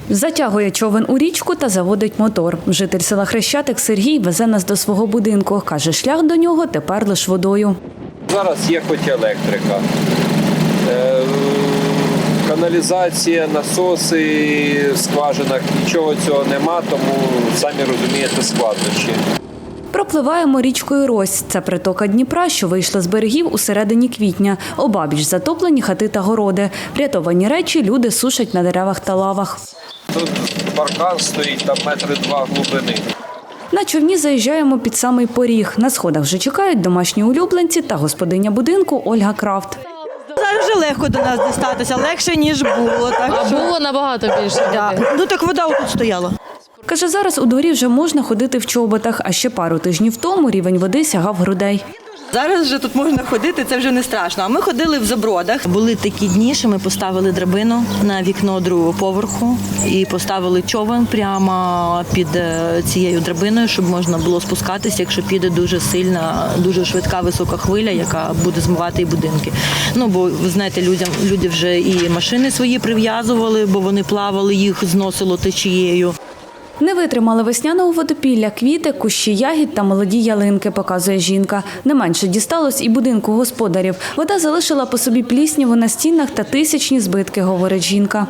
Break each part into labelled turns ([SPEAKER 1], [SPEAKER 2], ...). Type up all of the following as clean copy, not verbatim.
[SPEAKER 1] Затягує човен у річку та заводить мотор. Житель села Хрещатик Сергій везе нас до свого будинку. Каже, шлях до нього тепер лише водою.
[SPEAKER 2] Зараз є хоч електрика, каналізація, насоси в скважинах, нічого цього нема, тому самі розумієте складнощі.
[SPEAKER 1] Пропливаємо річкою Рось. Це притока Дніпра, що вийшла з берегів у середині квітня. Обабіч затоплені хати та городи. Врятовані речі люди сушать на деревах та лавах.
[SPEAKER 2] Тут паркан стоїть, там 2 метри глибини.
[SPEAKER 1] На човні заїжджаємо під самий поріг. На сходах вже чекають домашні улюбленці та господиня будинку Ольга Крафт.
[SPEAKER 3] Зараз вже легко до нас дістатися, легше, ніж було. Так що...
[SPEAKER 4] Було набагато більше.
[SPEAKER 3] Да. Ну так вода тут стояла.
[SPEAKER 1] Каже, зараз у дворі вже можна ходити в чоботах, а ще пару тижнів тому рівень води сягав грудей.
[SPEAKER 3] Зараз вже тут можна ходити, це вже не страшно. А ми ходили в забродах. Були такі дні, що ми поставили драбину на вікно другого поверху і поставили човен прямо під цією драбиною, щоб можна було спускатися, якщо піде дуже сильна, дуже швидка висока хвиля, яка буде змивати і будинки. Ну, бо, ви знаєте, люди вже і машини свої прив'язували, бо вони плавали, їх зносило течією.
[SPEAKER 1] Не витримали весняного водопілля, квіти, кущі ягід та молоді ялинки, показує жінка. Не менше дісталось і будинку господарів. Вода залишила по собі плісняву на стінах та тисячні збитки, говорить жінка.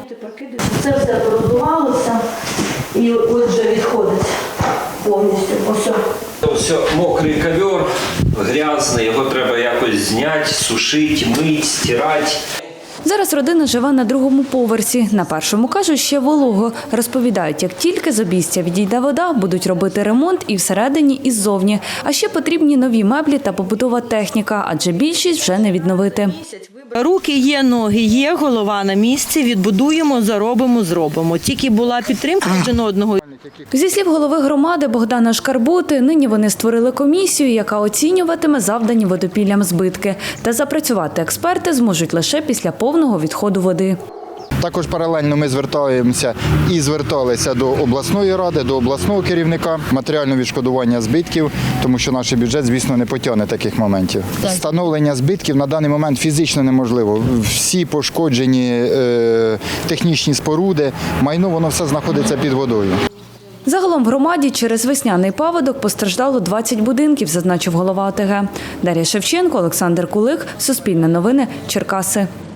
[SPEAKER 3] Це все продувалося і от вже відходить повністю.
[SPEAKER 2] Ось мокрий ковер, грязний, його треба якось зняти, сушити, мити, стирати.
[SPEAKER 1] Зараз родина живе на другому поверсі. На першому, кажуть, ще волого. Розповідають, як тільки з обійстя відійде вода, будуть робити ремонт і всередині, і ззовні. А ще потрібні нові меблі та побутова техніка, адже більшість вже не відновити.
[SPEAKER 3] Руки є, ноги є, голова на місці, відбудуємо, заробимо, зробимо. Тільки була підтримка один одного.
[SPEAKER 1] Зі слів голови громади Богдана Шкарбути, нині вони створили комісію, яка оцінюватиме завдані водопіллям збитки. Та запрацювати експерти зможуть лише після повного відходу води.
[SPEAKER 5] Також паралельно ми зверталися до обласної ради, до обласного керівника, матеріальне відшкодування збитків, тому що наш бюджет, звісно, не потягне таких моментів. Встановлення збитків на даний момент фізично неможливо. Всі пошкоджені технічні споруди, майно, воно все знаходиться під водою.
[SPEAKER 1] Загалом в громаді через весняний паводок постраждало 20 будинків, зазначив голова ОТГ. Дар'я Шевченко, Олександр Кулик, Суспільне новини, Черкаси.